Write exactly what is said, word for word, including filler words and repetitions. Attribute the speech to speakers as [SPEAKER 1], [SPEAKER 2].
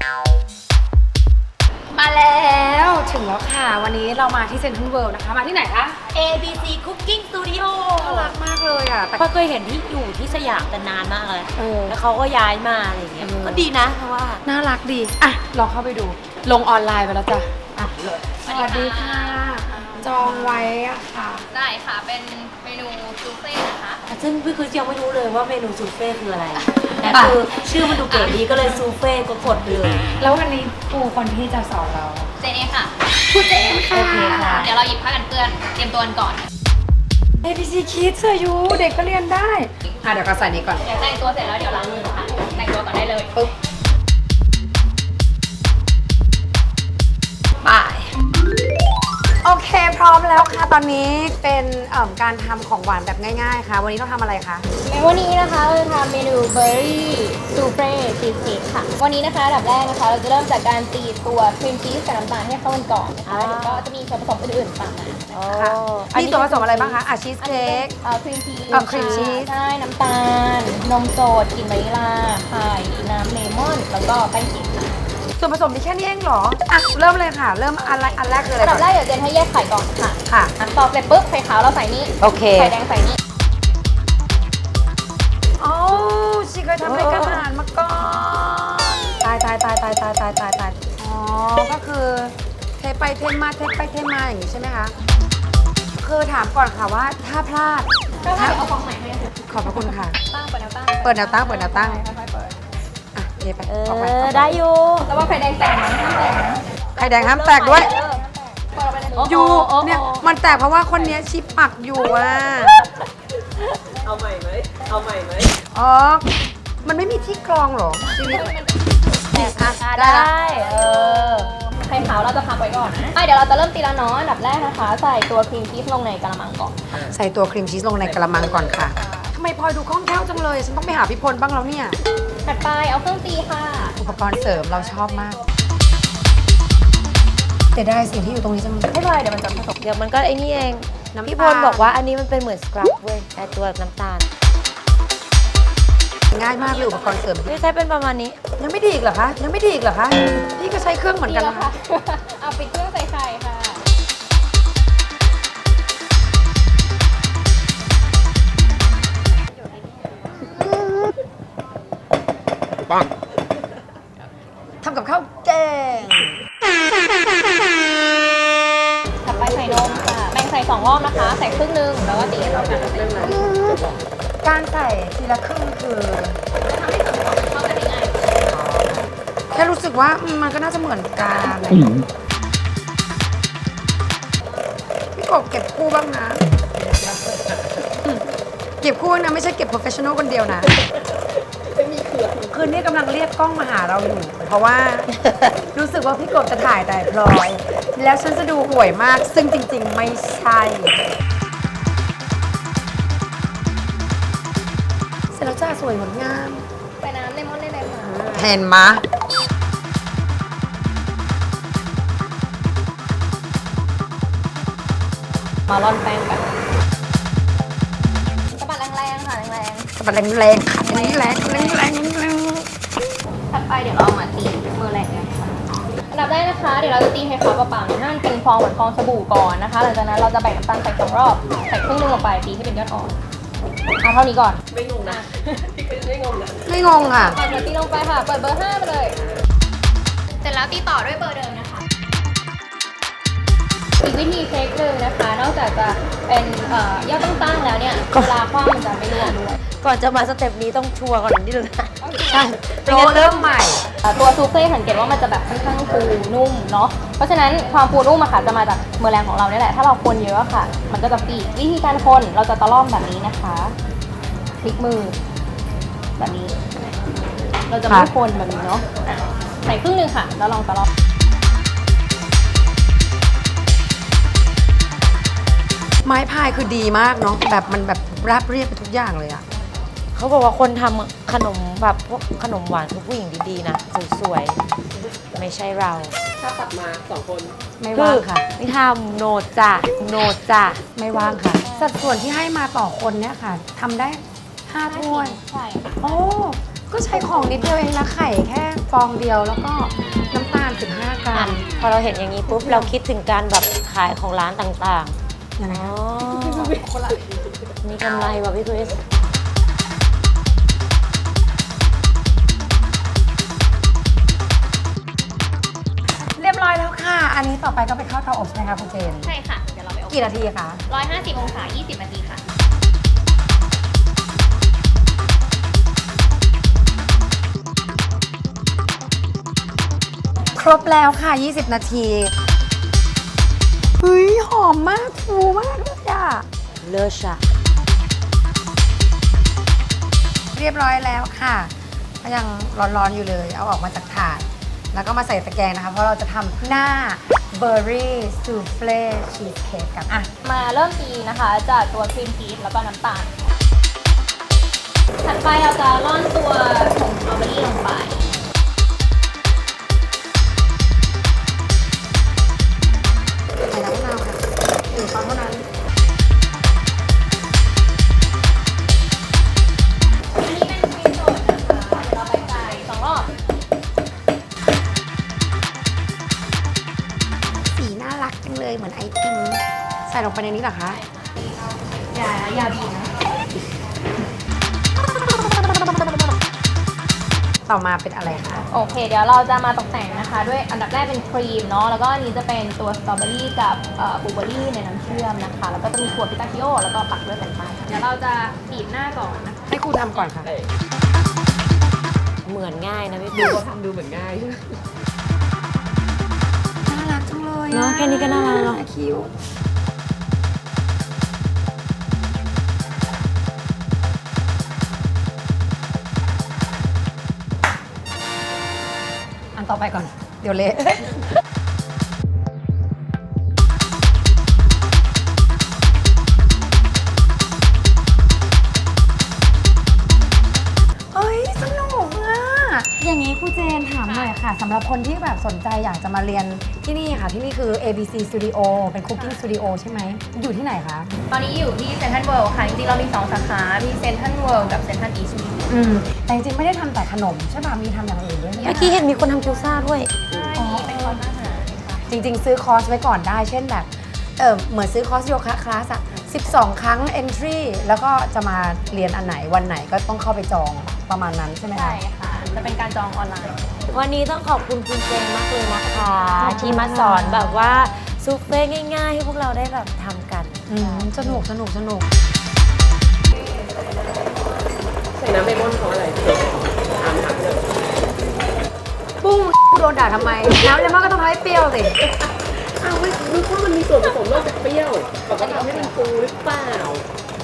[SPEAKER 1] มาแล้วถึงแล้วค่ะวันนี้เรามาที่เซ็นทรัลเวิลด์นะคะมาที่ไหนคะ
[SPEAKER 2] เอ บี ซี Cooking Studio
[SPEAKER 1] น่ารักมากเลยอ่ะแต่
[SPEAKER 2] ก็เคยเห็นที่อยู่ที่สยามแต่นานมากเลย
[SPEAKER 1] เออ
[SPEAKER 2] แล้วเขาก็ย้ายมาอะไรอย่างเงี้ย
[SPEAKER 1] เออ
[SPEAKER 2] ก็ดีนะเพราะว่า
[SPEAKER 1] น่ารักดีอ่ะลองเข้าไปดูลงออนไลน์ไปแล้วจ้ะอ่ะเลย
[SPEAKER 3] สวัสดีค่ะ
[SPEAKER 1] จองไว้อะค่ะ
[SPEAKER 3] ได้ค่ะ เป็นเมนูซูเฟ่นะคะ
[SPEAKER 2] ซึ่งพี่คือยังไม่รู้เลยว่าเมนูซูเฟ่คืออะไร แต่คือชื่อมันดูเก๋ดีก็เลยซูเฟ่ก็กดไปเลย
[SPEAKER 1] แล้ววันนี้ครูคนที่จะสอนเรา
[SPEAKER 3] เจนเองค่ะ
[SPEAKER 1] ครูเจนค่ะ
[SPEAKER 2] โอเคค่ะ
[SPEAKER 3] เดี๋ยวเราหยิบผ้ากันเปื้อน เตรียมตัวกันก่อน
[SPEAKER 1] เอ บี ซี Kids เสื้อยูเด็กก็เรียนได้อ่ะเดี๋ยวก็ใส่นี้ก่อน
[SPEAKER 3] เดี๋ยวแต่งตัวเสร็จแล้วเดี๋ยวล้างมือค่ะ แต่งตัวก่อนได้เลย
[SPEAKER 1] ปึ๊บไปโอเคพร้อมแล้วค่ะตอนนี้เป็นเอ่อการทำของหวานแบบง่ายๆค่ะ วันนี้ต้องทำอะไรคะ
[SPEAKER 3] ในวันนี้นะคะเราจะทำเมนูเบอร์รี่ซูเฟ่ชีสเค้กค่ะ วันนี้นะคะอันดับแรกนะคะ เราจะเริ่มจากการตีตัวครีมชีสกับน้ำตาลให้เข้ากันก่อนนะคะเดี๋ยวก็จะมีส่วนผสมอื่นๆตามมานะคะ
[SPEAKER 1] ค่ะมีส่วนผสมอะไรบ้างคะอ่ะชีส
[SPEAKER 3] อันนี้
[SPEAKER 1] เค้
[SPEAKER 3] เป็
[SPEAKER 1] ก
[SPEAKER 3] นเอ่อครีมชีส
[SPEAKER 1] อ่ะครีมชีส
[SPEAKER 3] ใช่น้ำตาล นมสดกลิ่นวานิลลาไข่น้ำเลมอน แล้วก็แป้งเค้กค่ะ
[SPEAKER 1] ส่วนผสมมีแค่นี้เองเหรออ่ะเริ่มเลยค่ะ เริ่มอันแรกอันแรกคืออะไร
[SPEAKER 3] อันดั
[SPEAKER 1] ก่
[SPEAKER 3] บ
[SPEAKER 1] อน
[SPEAKER 3] แรกเดี๋ยวเจนให้แยกไข่ก่อนค่ะ
[SPEAKER 1] ค่ะ
[SPEAKER 3] อันต่อเสร็จปุ๊บไข่ขาวเราใส่นี่
[SPEAKER 1] โอเค
[SPEAKER 3] ไข่แดงใส่นี่
[SPEAKER 1] โอ้ชีเคยทำรายการอาหารมาก่อนตายตายตายตายตายตายตายตายอ๋อก็คือเทไปเทมาเทไปเทมาอย่างนี้ใช่ไหมคะคือถามก่อนค่ะว่าถ้าพลาด
[SPEAKER 3] ก็ให้เอาฟองใหม่ให้ค่ะ
[SPEAKER 1] ขอบพระคุณค่ะ
[SPEAKER 3] ตั้งเปิดแนวตั้ง
[SPEAKER 1] เปิดแนวตั้งเปิดแนวตั้ง
[SPEAKER 3] ค่อยๆเปิด
[SPEAKER 1] อ่ะเทไป
[SPEAKER 2] เอ
[SPEAKER 1] ออกไป
[SPEAKER 2] อ
[SPEAKER 1] ออกป
[SPEAKER 2] ได้อยู่
[SPEAKER 3] แล้วว่าไข่แดงแตกไหมห้ามแตกนะ
[SPEAKER 1] ไข่แดงห้ามแตกด้วย
[SPEAKER 3] เริ่มเปิดออกไปเลย
[SPEAKER 2] โอ้โห
[SPEAKER 1] อยู่
[SPEAKER 2] โอ้โห
[SPEAKER 1] เนี่ยมันแตกเพราะว่าคนเนี้ยชิปปักอยู่อ่ะ
[SPEAKER 4] เอาใหม่ไหม เอาใหม่ไหม
[SPEAKER 1] อ๋อ มันไม่มีที่กรองเหรอชีวิต
[SPEAKER 2] แตกอ่ะ
[SPEAKER 1] ได้
[SPEAKER 2] ได้
[SPEAKER 1] ละ
[SPEAKER 2] เออ
[SPEAKER 3] ไข่ขาวเราจะพักไว้ก่อนนะอ่ะเดี๋ยวเราจะเริ่มตีละเนาะอันดับแรกนะคะ ใส่ตัวครีมชีสลงในกระมังก่อน
[SPEAKER 1] ใส่ตัวครีมชีสลงในกระมังก่อนค่ะทำไมพลอยดูคล่องแคล่วจังเลย ฉันต้องไปหาพี่พลบ้างแล้วเนี่ย
[SPEAKER 3] ถัดไปเอาเครื่องตีค่ะ
[SPEAKER 1] อุปกรณ์เสริมเราชอบมากแต่ได้สิ่งที่อยู่ตรงนี้จังเลย
[SPEAKER 3] ไม่เป็นไรเดี๋ยวมันจะผสม
[SPEAKER 2] เดี๋ยวมันก็ไอ้นี่เอง
[SPEAKER 1] น้ำตาล
[SPEAKER 2] พี่พลบอกว่าอันนี้มันเป็นเหมือนสครับเว้ยไอตัวน้ำตาล
[SPEAKER 1] ง่ายมากเลยอุปกรณ์เสริม
[SPEAKER 2] ไม่ใช่เป็นประมาณนี้
[SPEAKER 1] ยังไม่ดีอีกเหรอคะ ยังไม่ดีอีกเหรอคะ พี่ก็ใช้เครื่องเหมือนกัน
[SPEAKER 3] แล้ว
[SPEAKER 1] นะ
[SPEAKER 3] ค่ะ
[SPEAKER 1] คะ
[SPEAKER 3] เอาปิดเครื่องใส่ไข่ค่ะ
[SPEAKER 1] ทำกับข้าวแกง
[SPEAKER 3] ถัดไปใส่นมค่ะแบ่งใส่สองรอบนะคะ ใส่ครึ่งหนึงแล้วก็ตีให้เข้ากันใส่ครึ่งหนึง
[SPEAKER 1] การใส่ทีละครึ่งคือ
[SPEAKER 3] จะทำให้ส่วนผสมเข้ากันได้ง่าย
[SPEAKER 1] แค่รู้สึกว่าอืมมันก็น่าจะเหมือนกันพี่กบเก็บคู่บ้างนะอืมเก็บคู่นะไม่ใช่เก็บ professional คนเดียวนะคืนนี้กำลังเรียกกล้องมาหาเราอยู่ เพราะว่า รู้สึกว่าพี่กบจะถ่ายแต่พลอย แล้วฉันจะดูห่วยมาก ซึ่งจริงๆ ไม่ใช่ เสร็จแล้วจ้าสวยงดงาม
[SPEAKER 3] ใส่น้ำเลมอนได้เลยค่ะ
[SPEAKER 1] เห็นมะ
[SPEAKER 3] มาร่อนแป้งกันสะบัดแรงๆค่ะแรง
[SPEAKER 1] สะบัดแรงๆค่ะแรงๆแรงๆแรงๆแรงๆแรง
[SPEAKER 3] ๆถัดไปเดี๋ยวเราเอามาตีมือแรงกันค่ะอันดับแรกนะคะ เดี๋ยวเราจะตีให้เขาเปล่าๆเนี่ยให้มันเป็นฟองเหมือนฟองสบู่ก่อนนะคะ หลังจากนั้นเราจะแบ่งน้ำตาลใส่สองรอบ ใส่ครึ่งหนึงลงไปตีให้เป็นยอดอ่อนเอาเท่านี้ก่อน
[SPEAKER 4] ไม่งงนะ พี่ก็ไม่งงนะ
[SPEAKER 1] ไม่งงค่ะ
[SPEAKER 3] ก่อนจะตีลงไปค่ะ เปิดเบอร์ห้าไปเลย เสร็จแล้วตีต่อด้วยเบอร์เดิมนะคะ อีกวิธีเช็คหนึ่งนะคะ นอกจากจะเป็นเอ่อยอดตั้งๆแล้วเนี่ย
[SPEAKER 2] ก็
[SPEAKER 3] เวลาคว้างมันจะไม่ร่วงด้วย
[SPEAKER 2] ก่อนจะมาสเต็ปนี้ต้องชัวร์ก่อนนิดนึงนะ
[SPEAKER 1] ใช่โปรเริ่มใหม่
[SPEAKER 3] เอ่อตัวซูเฟ่สังเกตว่ามันจะแบบค่อนข้างฟูนุ่มเนาะ เพราะฉะนั้นความฟูนุ่มอะค่ะจะมาจากมือแรงของเราเนี่ยแหละ ถ้าเราคนเยอะอะค่ะ มันก็จะปีกวิธีการคนเราจะตะล่อมแบบนี้นะคะพลิกมือแบบนี้ เราจะไม่
[SPEAKER 1] ค่ะ
[SPEAKER 3] คนแบบนี้เนาะอ่ะใส่ครึ่งหนึงค่ะ แล้วลองตะล่อม
[SPEAKER 1] ไม้พายคือดีมากเนาะแบบมันแบบราบเรียบไปทุกอย่างเลยอะ
[SPEAKER 2] เขาบอกว่าคนทำขนมแบบพวกขนมหวานคือผู้หญิงดีๆนะสวยๆไม่ใช่เรา
[SPEAKER 4] ถ้าตัดมาสองคน
[SPEAKER 1] ไม่ว่างค่ะ
[SPEAKER 2] ไม่ทำโนจ้ะโนจ้ะ
[SPEAKER 1] ไม่ว่างค่ะ สัดส่วนที่ให้มาต่อคนเนี่ยค่ะทำได้ห้าถ้วย
[SPEAKER 3] ใช่ค่ะ
[SPEAKER 1] โอ้ก็ใช้ของนิดเดียวเองนะไข่แค่ฟองเดียวแล้วก็น้ำตาล สิบห้า กรั
[SPEAKER 2] อ่ะ
[SPEAKER 1] ม
[SPEAKER 2] พอเราเห็นอย่างนี้ปุ๊บ เราคิดถึงการแบบขายของร้านต่าง
[SPEAKER 1] ยังไง
[SPEAKER 2] ๆ อ๋
[SPEAKER 1] คะ
[SPEAKER 2] อ มีกำไรว่ะพี่คริส
[SPEAKER 1] เรียบร้อยแล้วค่ะ อันนี้ต่อไปก็ไปเข้าเตาอบใช่ไหมคะคุณเจน
[SPEAKER 3] ใช่ค่ะ เดี๋ยวเราไปอบ
[SPEAKER 1] กี่นาทีคะ
[SPEAKER 3] ร้อยห้าสิบองศา ยี่สิบนาทีค่ะ
[SPEAKER 1] ครบแล้วค่ะ ยี่สิบ นาทีเฮ้ยหอมมากฟูมากเลยอะ
[SPEAKER 2] เลิศอะ
[SPEAKER 1] เรียบร้อยแล้วค่ะก็ยังร้อนๆอยู่เลย เอาออกมาจากถาด แล้วก็มาใส่ตะแกรงนะคะ เพราะเราจะทำหน้าเบอร์รี่ซูเฟลชีสเค้กกันอ่ะ
[SPEAKER 3] มาเริ่มตีนะคะ จากตัวครีมชีสแล้วก็น้ำตาล ถัดไปเราจะร่อนตัวผงสตรอเบอรี่ลงไป
[SPEAKER 1] ใส่น้ำมะนาวค่ะหนึ่งช้อนเท่านั้น
[SPEAKER 3] อันนี้เป็นครีมสดนะคะ เดี๋ยวเราไปใส่สองรอบ
[SPEAKER 1] สีน่ารักจังเลยเหมือนไอติมใส่ลงไปในนี้เหรอคะ
[SPEAKER 3] อย่าอย่าบีบนะ
[SPEAKER 1] ต่อมาเป็นอะไรคะ
[SPEAKER 3] โอเค เดี๋ยวเราจะมาตกแต่งนะคะ ด้วยอันดับแรกเป็นครีมเนาะ แล้วก็อันนี้จะเป็นตัวสตรอเบอรี่กับบลูเบอรี่ในน้ำเชื่อมนะคะ แล้วก็จะมีถั่วพิตาชิโอแล้วก็ปักด้วยแผ่นปลายเดี๋ยวเราจะบีบหน้าก่อนนะคะ
[SPEAKER 1] ให้ครูทำก่อนค่ะ
[SPEAKER 2] เหมือนง่ายนะพี่ค
[SPEAKER 4] ดู
[SPEAKER 2] ริส
[SPEAKER 4] ว่าทำดูเหมือนง่าย
[SPEAKER 1] น่ารักจังเลยอะ
[SPEAKER 2] เนาะแค่นี้ก็น่ารักแล้ว
[SPEAKER 1] คิ้วอันต่อไปก่อน เดี๋ยวเละ เฮ้ย สนุกอะอย่างนี้ครูเจนถามหน่อยค่ะสำหรับคนที่แบบสนใจอยากจะมาเรียนที่นี่ค่ะ ที่นี่คือ เอ บี ซี Studio เป็น Cooking Studio ใช่ไหม อยู่ที่ไหนคะ
[SPEAKER 3] ตอนนี้อยู่ที่เซนทรัลเวิลด์ค่ะ จริงๆ เรามีสองสาขา มีเซนทรัลเวิลด์กับเซนทรัลอีสต์
[SPEAKER 1] อืม แต่จริงๆ ไม่ได้ทำแต่ขนมใช่ป่ะ มีทำอย่างอื่นด้วยไหม
[SPEAKER 2] เมื่อกี้เห็นมีคนทำคิวซ่าด้วย
[SPEAKER 3] ใช่มีเป็นคอร์สอาหารค่ะ
[SPEAKER 1] จริงๆ ซื้อคอร์สไว้ก่อนได้ เช่นแบบ เออเหมือนซื้อคอร์สโยคะคลาสอะสิบสอง ครั้ง entry แล้วก็จะมาเรียนอันไหนวันไหนก็ต้องเข้าไปจองประมาณนั้นใช่ไหมคะ
[SPEAKER 3] ใช่ค่ะ จะเป็นการจองออนไลน์
[SPEAKER 2] วันนี้ต้องขอบคุณคุณเจนมากเลยนะคะ ที่มาสอนแบบว่าซุปเฟ่ง่ายๆ ให้พวกเราได้แบบทำกัน
[SPEAKER 1] อืม สนุกสนุกสนุก
[SPEAKER 4] ใส่น้ำเบมอนเพราะอะไรถามถามเลย
[SPEAKER 1] ปุ้งโดนด่าทำไม น้ำเลมอนก็ต้องทำให้เปรี้ยวสิ
[SPEAKER 4] อ้าวไม่นึกว่ามันมีส่วนผสมนอกจากเปรี้ยวปกติทำให้มันฟูหรือเปล่า